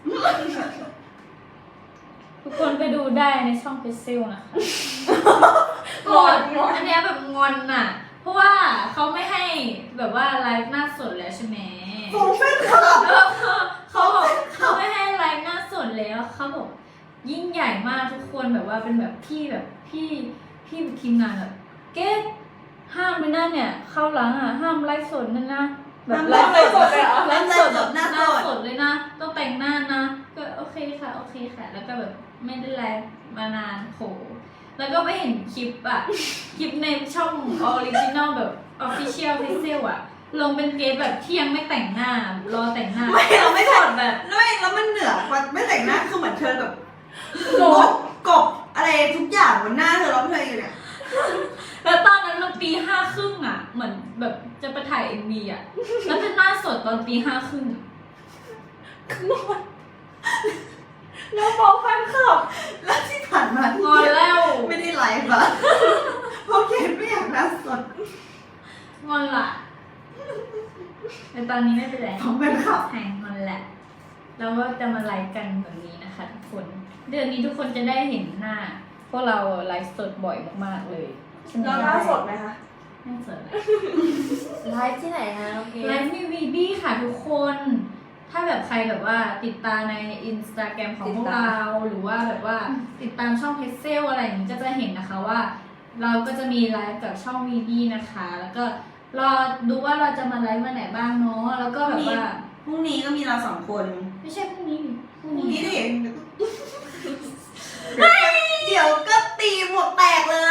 Speaker 1: ทุกคนไปดูได้ในช่องเพจเซลนะคะ
Speaker 3: งอนงอน
Speaker 1: อันเนี้ยแบบงอนน่ะ เพราะว่าเขาไม่ให้แบบว่าไลฟ์หน้าสดแล้วใช่ไหม
Speaker 2: ผมเป็นคลับ
Speaker 1: แล้วเขาเขาบอกเขาไม่ให้ไลฟ์หน้าสดแล้วเขาบอกยิ่งใหญ่มากทุกคนแบบว่าเป็นแบบพี่แบบพี่พี่ทีมงานแบบเก๊ห้ามไปนั่นเนี่ยเข้าหลังอ่ะห้ามไลฟ์สดนั่นนะแบบไลฟ์
Speaker 3: ไลฟ์สดเลยเหรอ
Speaker 1: ไลฟ์สดแบบ
Speaker 2: หน้า
Speaker 1: ห
Speaker 2: ส
Speaker 1: น้า
Speaker 2: ด
Speaker 1: สดเลยนะต้องแต่งหน้านะก็โอเคค่ะโอเคค่ะ แล้วก็แบบไม่ได้ไลฟ์มานานโหแล้วก็ไปเห็นคลิปอ่ะ คลิปในช่องออริจินอลแบบ Official Pixel อ่ะ ลงเป็นเกสแบบที่ยังไม่แต่งหน้ารอแต่งหน้า
Speaker 2: ไม่เราไม่
Speaker 1: ถ
Speaker 2: ถ
Speaker 1: อ
Speaker 2: อ
Speaker 1: ด
Speaker 2: ด
Speaker 1: แบบ
Speaker 2: ไม่แล้วมันเหนือกว่าไม่แต่งหน้าคือเหมือนเธอแบบ
Speaker 3: โกรธ
Speaker 2: โกบอะไรทุกอย่างบนหน้าเธอร้องเพลงอยู่เนี่ย
Speaker 1: แล้วตอนนั้นเราตีห้าครึ่งอ่ะ เหมือนแบบจะไปถ่ายเอ็มวีอ่ะ แล้วเป็นหน้าสดตอนตีห้าครึ่งอะ
Speaker 3: นอนแล้วบอกแฟนคลับ
Speaker 2: แล้วที่ผ่านมาที่
Speaker 1: งอนแล้ว
Speaker 2: ไม่ได้ไลฟ์อะเพราะเกดไม่อยากหน้าสด
Speaker 1: งอนละแต่ตอนนี้ไม่เป็นไร
Speaker 2: ผมเป็นขับ
Speaker 1: หายงอนแหละแล้วก็จะมาไลฟ์กันแบบนี้นะคะทุกคน เดือนนี้ทุกคนจะได้เห็นหน้า พวกเราไลฟ์สดบ่อยมากๆเลย
Speaker 3: แล้วหน้าสดไหมคะ
Speaker 1: ไม่สดเลย
Speaker 4: ไลฟ์ที่ไหนคะโอเค
Speaker 1: ไลฟ์มีวีบี้ค่ะทุกคน ถ้าแบบใครแบบว่าติดตามในอินสตาแกรมของพวกเรา หรือว่าแบบว่าติดตามช่องเพจเซลอะไรอย่างนี้ก็จะเห็นนะคะว่า เราก็จะมีไลฟ์กับช่องวีบี้นะคะ แล้วก็รอดูว่าเราจะมาไลฟ์วันไหนบ้างเนาะ แล้วก็แบบว่า
Speaker 2: พรุ่งนี้ก็มีเราสองคน
Speaker 1: ไม่ใช่พรุ่งนี้ดิพรุ่ง
Speaker 2: พรุ่ง
Speaker 1: นี้
Speaker 2: นี้ดิเดี๋ยวก็ตีหมวกแตกเลย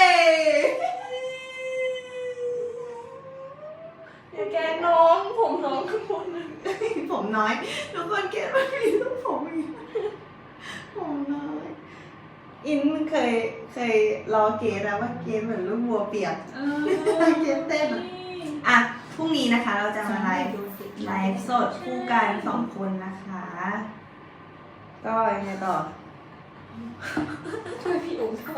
Speaker 3: อย่าแกล้งน้องผมน้องข้างบนนะ
Speaker 2: ผมน้อย ทุกคนเกดว่ามีลูกผมอีกผมน้อย อินมันเคยเคยรอเกดแล้วว่าเกดเหมือนลูกวัวเปียก
Speaker 1: เออ
Speaker 2: เกดเต้นอะ อ่ะ พรุ่งนี้นะคะเราจะมาไลฟ์ไลฟ์สดคู่กันสองคนนะคะ ก็ยังไงต่อ
Speaker 3: ช่วยพี่อุ๋มทำไม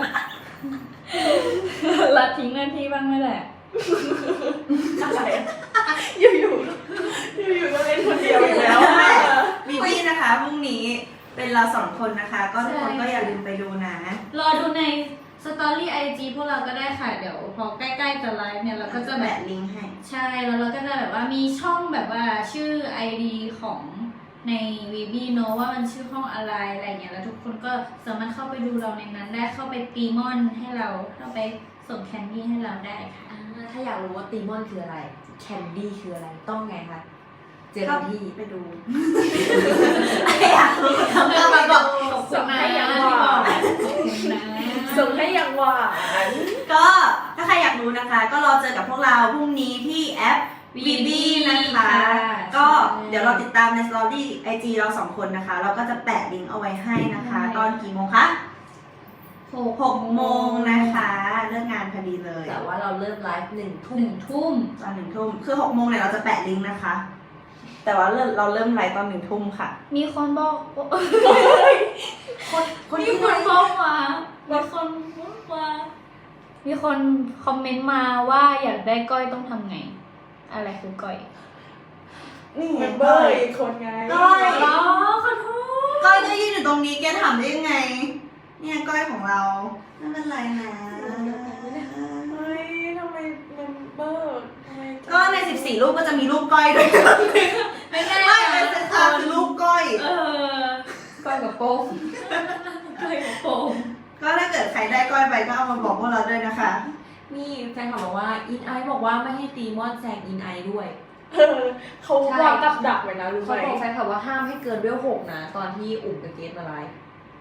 Speaker 1: ละทิ้งหน้าที่บ้างไม่แหละ
Speaker 3: อะไรอยู่อยู่อยู่อยู่ๆก็เล่นคนเดียวอีกแล้วอะ
Speaker 2: บีบี้นะคะพรุ่งนี้เป็นเราสองคนนะคะ ก็ทุกคนก็อย่าลืมไปดูนะ
Speaker 1: รอดูในสตอรี่ไอจีพวกเราก็ได้ค่ะ เดี๋ยวพอใกล้ๆจะไลฟ์เนี่ยเราก็จะแบ
Speaker 2: แบ
Speaker 1: บ
Speaker 2: บลิงก์ให้
Speaker 1: ใช่แล้วเราก็จะแบบว่ามีช่องแบบว่าชื่อ ไอ ดี ของในวีบีเนอะว่ามันชื่อห้องอะไรอะไรเงี้ยแล้วทุกคนก็สามารถเข้าไปดูเราในนั้นได้เข้าไปตีมอนให้เราเข้าไปส่งแคนดี้ให้เราได้ค่ะ
Speaker 4: อ่าถ้าอยากรู้ว่าตีมอนคืออะไร แคนดี้คืออะไร ต้องไงคะ เจอ
Speaker 2: เข้า
Speaker 4: ที่
Speaker 2: ไปดูอยากรู้ทำไมมาบอก
Speaker 1: ขอบคุณนะที่บอกขอบคุณนะ
Speaker 3: ส่งให้อย่างหวาน
Speaker 2: ก็ถ้าใครอยากรู้นะคะ ก็รอเจอกับพวกเราพรุ่งนี้ที่แอป วีบีนะคะ ก็เดี๋ยวเราติดตามในสตอรี่ไอจีเราสองคนนะคะ เราก็จะแปะลิงก์เอาไว้ให้นะคะ ตอนกี่โมงคะหกโมงนะคะเลิกงานพอดีเลย
Speaker 4: แต่ว่าเราเริ่มไลฟ์หนึ่ง
Speaker 1: ห
Speaker 4: ทุ่ม
Speaker 1: นึ่งทุ่ม
Speaker 2: ตอนหนึ่งทุ่มคือหกโมงเนี่ยเราจะแปะลิงก์นะคะ แต่ว่าเราเราเริ่มไลฟ์ตอนหนึ่งทุ่มค่ะ
Speaker 1: มีคนบอก
Speaker 2: คนคน
Speaker 1: มี
Speaker 2: ที่
Speaker 1: คน
Speaker 2: ไลฟ์
Speaker 1: บอกมามีคนบอกมามีคนคอมเมนต์มาว่าอยากได้ก้อยต้องทำไง อะไรคือก้อย
Speaker 2: นี่
Speaker 3: เม
Speaker 2: ไง
Speaker 3: มเบอร์อีกคนไง
Speaker 2: ก้อย
Speaker 1: อ๋อขอโทษ
Speaker 2: ก้อยก็ยืนอยู่ตรงนี้แกถามได้ยังไง เนี่ยก้อยของเราไม่เป็นไรนะ
Speaker 3: เฮ้ยทำไมเมมเบอร์ทำไม
Speaker 2: ก็ในสิบสี่รูปก็จะมีรูปก้อยด้วย
Speaker 1: ไม่แน่
Speaker 2: ไม่เป็นเซนซาคือรูปก้อย
Speaker 1: เออ
Speaker 4: ก้อยกับโป้ง
Speaker 1: ก้อยกับโปม
Speaker 2: ก็ถ้าเกิดใครได้ก้อยไปก็เอามาบอกพวกเราด้วยนะคะ
Speaker 4: นี่แฟนคลับบอกว่าอินไอบอกว่าไม่ให้ตีมอนแซงอินไอด้วย
Speaker 3: เออเขาวางกับดักไว้นะรู้ไห
Speaker 4: เขา
Speaker 3: ม
Speaker 4: บอกแฟนคลับว่าห้ามให้เกินเวลหกนะ ตอนที่อุ่มกับเกสมาไลฟ์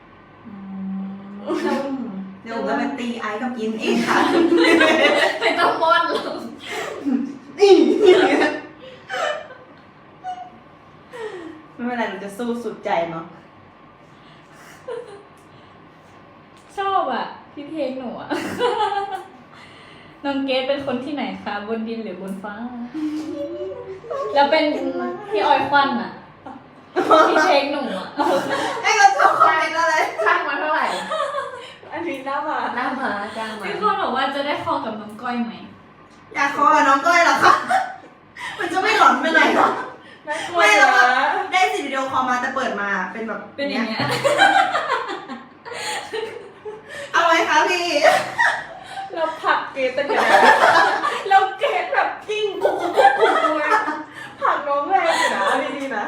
Speaker 2: เดี๋ยวผมจะไปตีไอซ์กับอินเองค่ะ
Speaker 1: ไม่ต้องมอนหรอก
Speaker 2: ไม่เป็นไรเราจะสู้สุดใจเนาะ
Speaker 1: ชอบอ่ะพี่เพลงหนูอ่ะ น้องเกดเป็นคนที่ไหนคะ บนดินหรือบนฟ้า แล้วเป็นพี่ออยควันอ่ะ พี่เพลงหนูอ่ะ
Speaker 2: ไอ้ก็ชอบคอมเมนต์อะไร
Speaker 4: ช่างมาเท่าไหร่
Speaker 3: อันนี้หน้ามา
Speaker 4: หน้ามาจ้างมา
Speaker 1: พี่คนบอกว่าจะได้คอกับน้องก้อยไหม
Speaker 2: อยากคอกับน้องก้อยเหรอคะ มันจะไม่หลอนไปไหนหรอ
Speaker 3: น่ากลัว
Speaker 2: ไม่หรอก
Speaker 3: นะ
Speaker 2: ได้สิวิดีโอคอลมาแต่เปิดมาเป็นแบบ
Speaker 1: เป็นอย่างเงี้ย
Speaker 2: เอาไว้คะพี่
Speaker 3: เราผลักเกตแต่กันเราเกตแบบกิ้งกุ๊กกุ๊กกุ๊กกุ๊กเลยผลักน้องแรงอยู่นะเอาดีๆนะ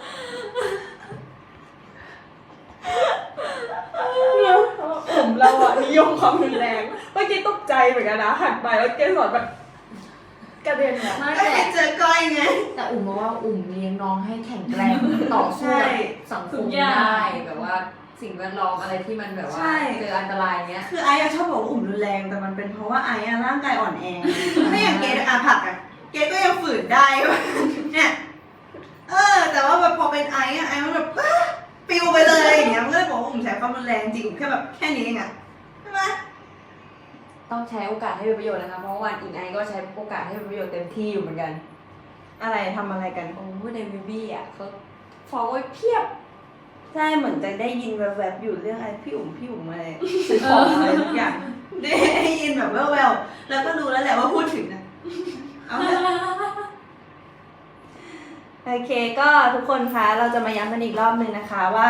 Speaker 3: เนี่ยผมเราอะนิยมความรุนแรงเมื่อกี้ตกใจเหมือนกันนะหันไปแล้วเกสอนแบบกระเด็นอะ
Speaker 4: ไม่
Speaker 2: ไม่
Speaker 4: แต่
Speaker 2: ได้เจอก้อยไง
Speaker 4: แต่อุ่มบอกว่าอุ่มเลี้ยงน้องให้แข็งแกร่งต่อสู้กับสังคมได้แบบว่าสิ่งแวดล้อมอะไรที่มันแบบว่าเจออันตรายเนี้ย
Speaker 2: คือไอ้อะชอบบอกว่าอุ่มรุนแรงแต่มันเป็นเพราะว่าไอ้อะร่างกายอ่อนแอถ้าอย่างเกดอะผักอะเกดก็ยังฝืนได้ เนี่ย เออ แต่ว่าแบบพอเป็นไอ้อะไอ้มันแบบปิวไปเลยอย่างเงี้ยมันก็เลยบอกว่าอุ่มใช้ความรุนแรงจริงอุ่มแค่แบบแค่นี้เองอะใช่ไหม
Speaker 4: ต้องใช้โอกาสให้เป็นประโยชน์นะคะเพราะวันอิงไอก็ใช้โอกาสให้เป็นประโยชน์เต็มที่อยู่เหมือนกัน
Speaker 2: อะไรทำอะไรกัน
Speaker 4: โอ้ในวิบี้อ่ะเขาฟอลไว้เพียบ
Speaker 2: ใช่เหมือนจะได้ยินแวบๆอยู่เรื่องอะไรพี่อุ๋มพี่อุ๋มอะไรซื้อของอะไรทุกอย่างได้ยินแบบแววๆแล้วก็รู้แล้วแหละว่าพูดถึงนะเอาเถอะโอเคก็ทุกคนคะเราจะมาย้ำกันอีกรอบหนึ่งนะคะว่า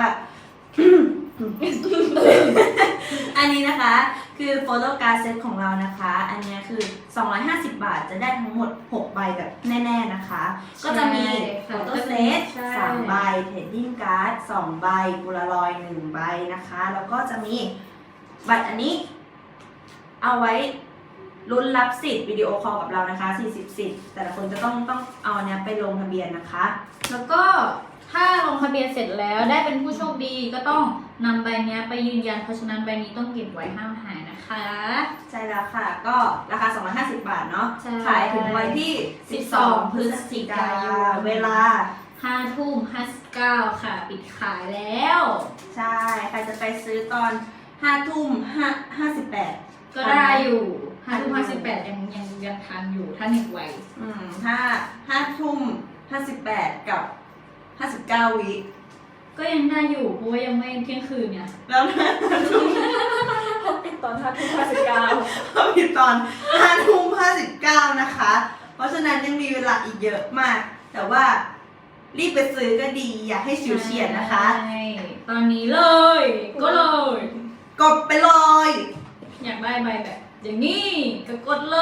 Speaker 2: อันนี้นะคะคือโฟโต้การ์ดเซตของเรานะคะ อันนี้คือสองร้อยห้าสิบบาทจะได้ทั้งหมดหกใบแบบแน่ๆนะคะ ก็จะมีโฟโต้เซตสามใบเทรดดิ้งการ์ดสองใบโพลารอยด์หนึ่งใบนะคะ แล้วก็จะมีบัตรอันนี้ เอาไว้ลุ้นรับสิทธิ์วิดีโอคอลกับเรานะคะสี่สิบสิทธิ์แต่ละคนจะต้องต้องเอาอันเนี้ยไปลงทะเบียนนะคะ
Speaker 1: แล้วก็ถ้าลงทะเบียนเสร็จแล้วได้เป็นผู้โชคดีก็ต้องนำใบเนี้ยไปยืนยันเพราะฉะนั้นใบนี้ต้องเก็บไว้ห้ามหายนะคะ
Speaker 2: ใช่แล้วค่ะ ก็ราคาสองร้อยห้าสิบบาทเนาะ
Speaker 1: ใช่
Speaker 2: ขายถึงวันที่สิบสองพฤศจิกายนเวลา
Speaker 1: ห้าทุ่มห้าสิบเก้าค่ะ ปิดขายแล้ว
Speaker 2: ใช่ ใครจะไปซื้อตอนห้าทุ่มห้าห้าสิบแปด
Speaker 1: ก็ได้อยู่ห้าทุ่มห้าสิบแปดยังยังยังทันอยู่ถ้าเน็ตไว
Speaker 2: อืมถ้าห้าทุ่มห้าสิบแปดกับห้าสิบเก้าวิ
Speaker 1: ก็ยังได้อยู่เพราะว่ายังไม่เที่ยงคืนเนี่ย
Speaker 2: แล้วห้าทุ่ม
Speaker 3: เขาปิดตอนห้าทุ่มห้าสิบเก้า
Speaker 2: เขาผิดตอนห้าทุ่มห้าสิบเก้านะคะ เพราะฉะนั้นยังมีเวลาอีกเยอะมาก แต่ว่ารีบไปซื้อก็ดี อย่าให้ฉิวเฉียดนะคะ
Speaker 1: ใช่ตอนนี้เลย ก็เลย
Speaker 2: กดไปเลย
Speaker 1: อยากได้ใบแบบ อย่างนี้ก็กดเลย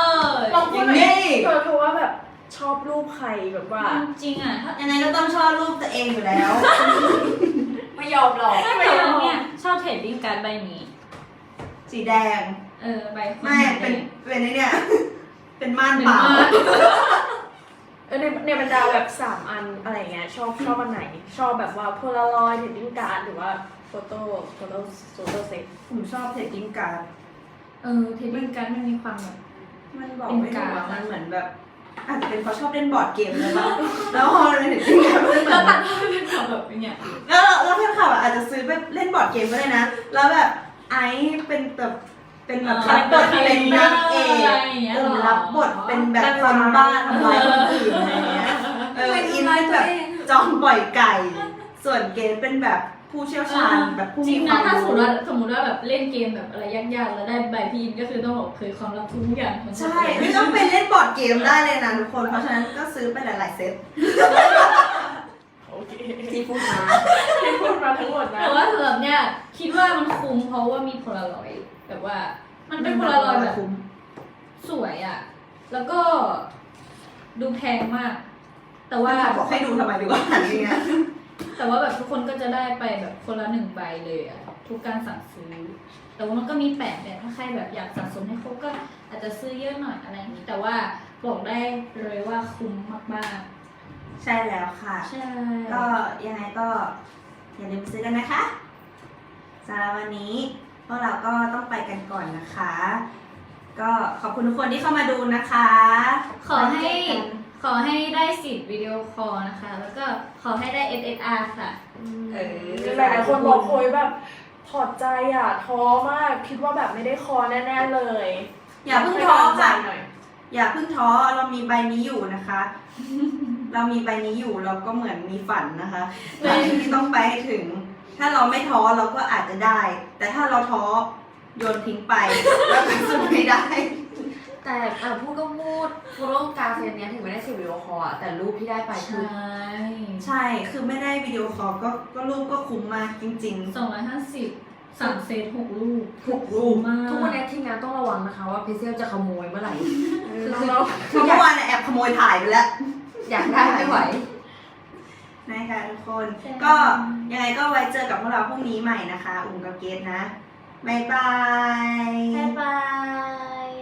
Speaker 3: ลอง
Speaker 2: อ
Speaker 3: พูด
Speaker 2: ย่าง
Speaker 3: หน่อย
Speaker 2: นี้
Speaker 3: เธอเธอว่าแบบชอบรูปใครแบบว่า
Speaker 1: จริงๆอ่ะถ้า
Speaker 2: ยังไงก็ต้องชอบรูปตัวเองอยู่แล้ว
Speaker 4: ไม่ยอมหรอก
Speaker 1: ถ้าแต่ว่าเนี่ยชอบเทรดดิ้งการ์ดใบนี้
Speaker 2: สีแดง
Speaker 1: เออใบคน
Speaker 2: ไม่เป็นเป็นไอ้เนี่ย เป็นม่าน
Speaker 1: เป็น
Speaker 2: เปล่า
Speaker 1: มา
Speaker 3: เออในในบรรดาแบบสามอันอะไรเงี้ยชอบชอบอันไหน ชอบแบบว่าโพลารอยด์เทดดิ้งการ์ดหรือว่าโฟโต้โฟโต้โฟโต้เซต
Speaker 2: ผมชอบเทรดดิ้งการ์ด
Speaker 1: เออเทรดดิ้งการ์ดมันมีความแบบ
Speaker 2: มันบอก
Speaker 1: เป็น
Speaker 2: ไม่ถูก
Speaker 1: การ์
Speaker 2: อะ
Speaker 1: ด
Speaker 2: มันเหมือนแบบ อาจจะเป็นเพราะชอบเล่นบอร์ดเกมเลยป่ะ แล้วพอเราเห็นที่แบบมันเหมื
Speaker 1: แล้
Speaker 2: อ
Speaker 1: วน ตัดให้เป็นความแบบเป็นอย่าง
Speaker 2: แล้วแล้วแฟนคลับอะอาจจะซื้อไปเล่นบอร์ดเกมก็ได้นะ แล้วแบบไอซ์เป็นแบบเป็นแบบรับบทเป็นนางเอกกลุ่มรับบทเป็นแบบคนบ้าทำร้ายคนอื่นอะไรเงี้ย เอออินเป็นแบบจอมปล่อยไก่ ส่วนเกมเป็นแบบผู้เชี่ยวชาญแบบผู้
Speaker 1: จริ
Speaker 2: มี
Speaker 1: ง
Speaker 2: ควา
Speaker 1: นะ
Speaker 2: ม
Speaker 1: ถ้าสมม
Speaker 2: รู้
Speaker 1: ติว่าสมมติว่าแบบเล่นเกมแบบอะไรยากๆแล้วได้ใบพีนก็คือต้องบอกเผยความลับทุกอย่างของ
Speaker 2: ใช่ ไม่ต้องไปเล่นบอร์ดเกมได้เลยนะทุกคน เพราะฉะนั้นก็ซื้อไปหลายๆเซต
Speaker 3: โอเค
Speaker 4: ที่พูดมา
Speaker 3: ที่พูดมาทั้งหมดนะ
Speaker 1: แต่ว่าสำหรับเนี่ยคิดว่ามันคุ้มเพราะว่ามีโพลารอยด์แบบว่า มันเป็นโพลารอยด์แบบสวยอ่ะ แล้วก็ดูแพงมาก แต่ว่า
Speaker 2: ว่าบอกให้ดูทำไมดีกว่าอย่างเงี้ย
Speaker 1: แต่ว่าแบบทุกคนก็จะได้ไปแบบคนละหนึ่งใบเลยอะทุกการสั่งซื้อ แต่ว่ามันก็มีแปดแบบถ้าใครแบบอยากสะสมให้ครบก็อาจจะซื้อเยอะหน่อยอะไรอย่างนี้ แต่ว่าบอกได้เลยว่าคุ้มมาก
Speaker 2: ใช่แล้วค่ะ
Speaker 1: ๆ ใช่
Speaker 2: ก็ยังไงก็อย่าลืมซื้อกันนะคะสำหรับวันนี้พวกเราก็ต้องไปกันก่อนนะคะ ก็ขอบคุณทุกคนที่เข้ามาดูนะคะ
Speaker 1: ขอให้
Speaker 2: ไว้เจอกัน
Speaker 1: ขอให้ได้สิทธิ์วิดีโอคอลนะคะ แล้วก็ขอให้ได้ เอส เอส อาร์ ค่ะ
Speaker 2: เออ
Speaker 3: หลายๆคนบอกโอยแบบถอดใจอ่ะท้อมากคิดว่าแบบไม่ได้คอแน่ๆเลย
Speaker 2: อย่าเพิ่งท้อค่ะ
Speaker 3: หน่อย
Speaker 2: อย่าเพิ่งท้อเรามีใบนี้อยู่นะคะ เรามีใบนี้อยู่เราก็เหมือนมีฝันนะคะฝันที่ต้องไปให้ถึง ถ้าเราไม่ท้อเราก็อาจจะได้ แต่ถ้าเราท้อโยนทิ้งไปแล้วก็สู้ไม่ได้
Speaker 4: แต่อ่ะพูดก็พูดโฟโต้การ์ดเซตเนี้ยถึงไม่ได้สิวิดีโอคอลอะแต่รูปที่ได้ไปคือ
Speaker 1: ใช่
Speaker 2: ใช่ คือไม่ได้วิดีโอคอลก็ก็รูปก็คุ้มมากจริง
Speaker 1: สองร้อยห้าสิบสามเซตหกลูก
Speaker 2: ๆ ถูกรูป
Speaker 1: มาก
Speaker 4: ทุกวันนี้ทีมงานต้องระวังนะคะว่าเพเซลจะขโมยเมื่อไหร่
Speaker 3: ๆ
Speaker 4: คือ
Speaker 3: น้อง
Speaker 2: เพราะเมื่อวานเนี่ยแอบขโมยถ่ายไปแล้ว
Speaker 4: อยากได้ไม่ไหว
Speaker 2: นะคะทุกคน ก็ยังไงก็ไว้เจอกับพวกเราพรุ่งนี้ใหม่นะคะ อุ่มกับเกดนะ บ๊ายบาย
Speaker 1: บ๊ายบาย